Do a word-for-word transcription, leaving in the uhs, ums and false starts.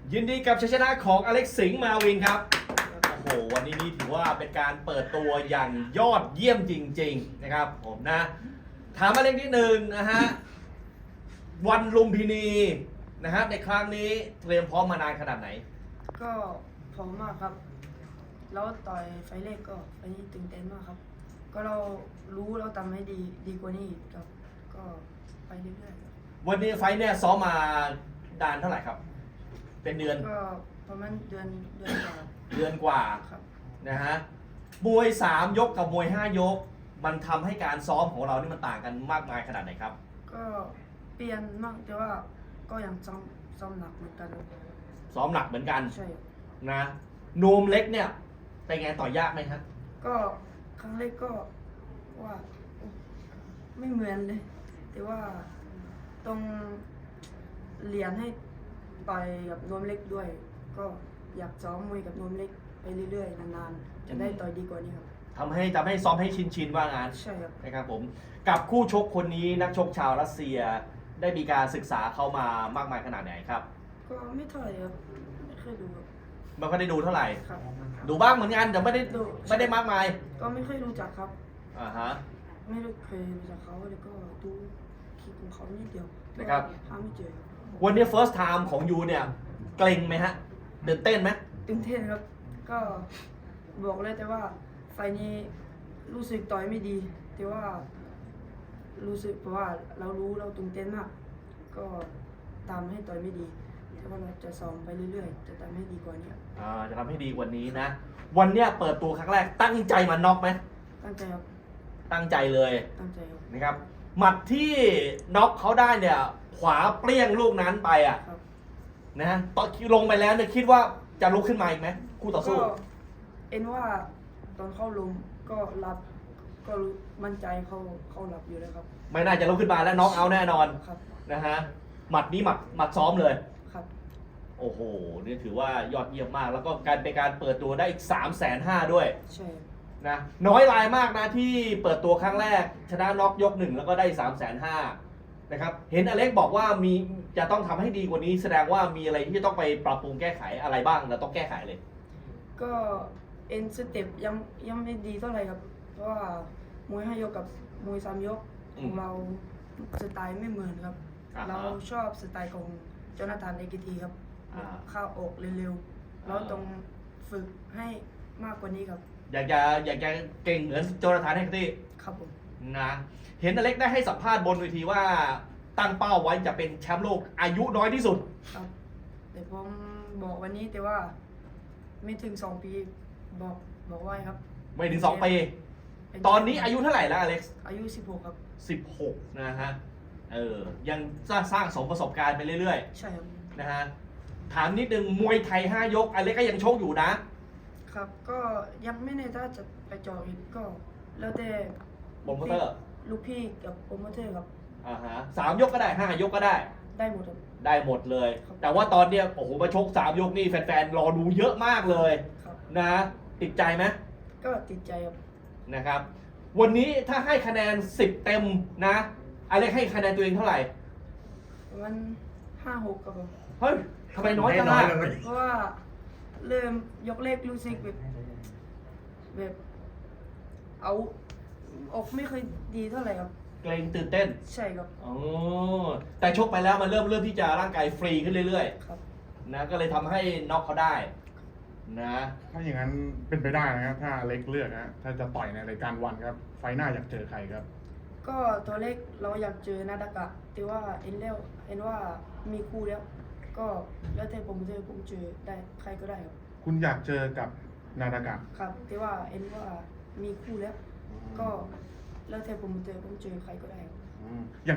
ยินดีกับชัยชนะของอเล็กซ์สิงห์มาวินครับโอ้โหวันนี้นี่ถือว่าเป็นการเปิดตัวอย่างยอดเยี่ยมจริงๆนะครับผมนะถามอเล็กนิดนึงนะฮะวันลุมพินีนะฮะในครั้งนี้เตรียมพร้อมมานานขนาดไหนก็พร้อมมากครับแล้วต่อยไฟเล็กก็ไฟนี้ตื่นเต้นมากครับก็เรารู้เราทำให้ดีดีกว่านี้ครับก็ไปเรื่อยๆครับวันนี้ไฟเนี่ยซ้อมมาดานเท่าไหร่ครับเป็นเดือนก็ประมาณเดือนเดือนกว่าเดือนกว่าครับนะฮะมวยสามยกกับมวยห้ายกมันทำให้การซ้อมของเรานี่มันต่างกันมากมายขนาดไหนครับก็เปลี่ยนมากแต่ว่าก็ยังซ้อมซ้อมหนักเหมือนกันซ้อมหนักเหมือนกันใช่นะโนมเล็กเนี่ยเป็นไงต่อยากไหมครับก็ครั้งแรกก็ว่าไม่เหมือนเลยแต่ว่าต้องเรียนให้ต่อยกับนวมเล็กด้วยก็อยากซ้อมมวยกับนวมเล็กไปเรื่อยๆนานๆจะได้ต่อยดีกว่านี้ครับทำให้ทำให้ซ้อมให้ชินชินว่างานใช่ครับนะครับผมกับคู่ชกคนนี้นักชกชาวรัสเซียได้มีการศึกษาเข้ามามากมายขนาดไหนครับก็ไม่เท่าไหร่ครับไม่เคยดูครับไม่ค่อยได้ดูเท่าไหร่ครับดูบ้างเหมือนกันแต่ไม่ได้ไม่ได้มากมายก็ไม่เคยรู้จักครับอ่าฮะไม่ได้เคยรู้จักเขาเลยก็ดูคลิปของเขานิดเดียวนะครับหาไม่เจอวันนี้ first time ของยูเนี่ยเกรงไหมฮะตื่นเต้นไหมตื่นเต้นครับก็บอกเลยแต่ว่าไฟนี้รู้สึกต่อยไม่ดีแต่ว่ารู้สึกเพราะว่าเรารู้เราตื่นเต้นมากก็ตามให้ต่อยไม่ดีแต่ว่าเราจะซ้อมไปเรื่อยๆจะทำให้ดีกว่านี้อ่าจะทำให้ดีกว่านี้นะวันเนี้ยเปิดตัวครั้งแรกตั้งใจมาน็อกไหมตั้งใจครับตั้งใจเลยตั้งใจครับนะครับหมัดที่น็อกเขาได้เนี่ยขวาเปรี้ยงลูกนั้นไปอ่ะนะตอนลงไปแล้วเนี่ยคิดว่าจะลุกขึ้นมาอีกไหมคู่ต่อสู้ก็เอ็นว่าตอนเข้าลมก็รับก็มั่นใจเขาเขารับอยู่แล้วครับไม่น่าจะลุกขึ้นมาแล้วน็อกเอาแน่นอนนะฮะหมัดนี้หมัดหมัดซ้อมเลยครับโอ้โหนี่ถือว่ายอดเยี่ยมมากแล้วก็การเป็นการเปิดตัวได้อีกสามแสนห้าด้วยใช่นะน้อยรายมากนะที่เปิดตัวครั้งแรกชนะน็อกยกหนึ่งแล้วก็ได้สามแสนห้านะครับเห็นอเล็กบอกว่ามีจะต้องทำให้ดีกว่านี้แสดงว่ามีอะไรที่จะต้องไปปรับปรุงแก้ไขอะไรบ้างเราต้องแก้ไขเลยก็เอ็นสเต็ปยังยังไม่ดีเท่าไหร่ครับเพราะว่ามวยห้ายกกับมวยสามยกของเราสไตล์ไม่เหมือนครับเราชอบสไตล์ของโจนาธานเอกิทีครับเข้าอกเร็วๆเราต้องฝึกให้มากกว่านี้ครับอยากจะอยากจะเก่งเหมือนโจนาธานเอกิทีครับผมนะเห็นอเล็กได้ให้สัมภาษณ์บนเวทีว่าตั้งเป้าไว้จะเป็นแชมป์โลกอายุน้อยที่สุดครับแต่ผมบอกวันนี้แต่ว่าไม่ถึงสองปีบอกบอกไว้ครับไม่ถึงสองปีตอนนี้อายุเท่าไหร่แล้วอเล็กซ์อายุสิบหกครับสิบหกนะฮะเออยังสร้างสร้างสมประสบการณ์ไปเรื่อยๆใช่ครับนะฮะถามนิดนึงมวยไทยห้ายกอเล็กก็ยังโชคอยู่นะครับก็ยังไม่แน่ถ้าจะไปจออีกก็แล้วแต่โปรโมเตอร์ลูกพี่กับโปรโมเตอร์ครับอ่าฮะสามยกก็ได้ห้ายกก็ได้ได้หมดครับได้หมดเลยแต่ว่าตอนเนี้ยโอ้โหมาชกสามยกนี่แฟนๆรอดูเยอะมากเลยนะติดใจไหมก็ติดใจครับนะครับวันนี้ถ้าให้คะแนนสิบเต็มนะอเล็กให้คะแนนตัวเองเท่าไหร่มันห้าหกครับผมเฮ้ยทำไมน้อยจังล่ะเพราะว่าเริ่มยกเลขรู้สึกแบบแบบเอาออกไม่เคยดีเท่าไหร่ครับเกรงตื่นเต้นใช่ครับอ๋อแต่ชกไปแล้วมันเริ่มเริ่มที่จะร่างกายฟรีขึ้นเรื่อยๆครับนะก็เลยทำให้น็อกเขาได้นะถ้าอย่างนั้นเป็นไปได้นะครับถ้าเล็กเลือกนะถ้าจะต่อยในรายการวันครับไฟหน้าอยากเจอใครครับก็ตัวเล็กเราอยากเจอนาดากะแต่ว่าเอ็นแล้วเอ็นว่ามีคู่แล้วก็แล้วแต่ผมเจอผมเจอได้ใครก็ได้ครับคุณอยากเจอกับนาดากะครับแต่ว่าเอ็นว่ามีคู่แล้วก็แล้วแต่ผมเจอผมเจอใครก็ได้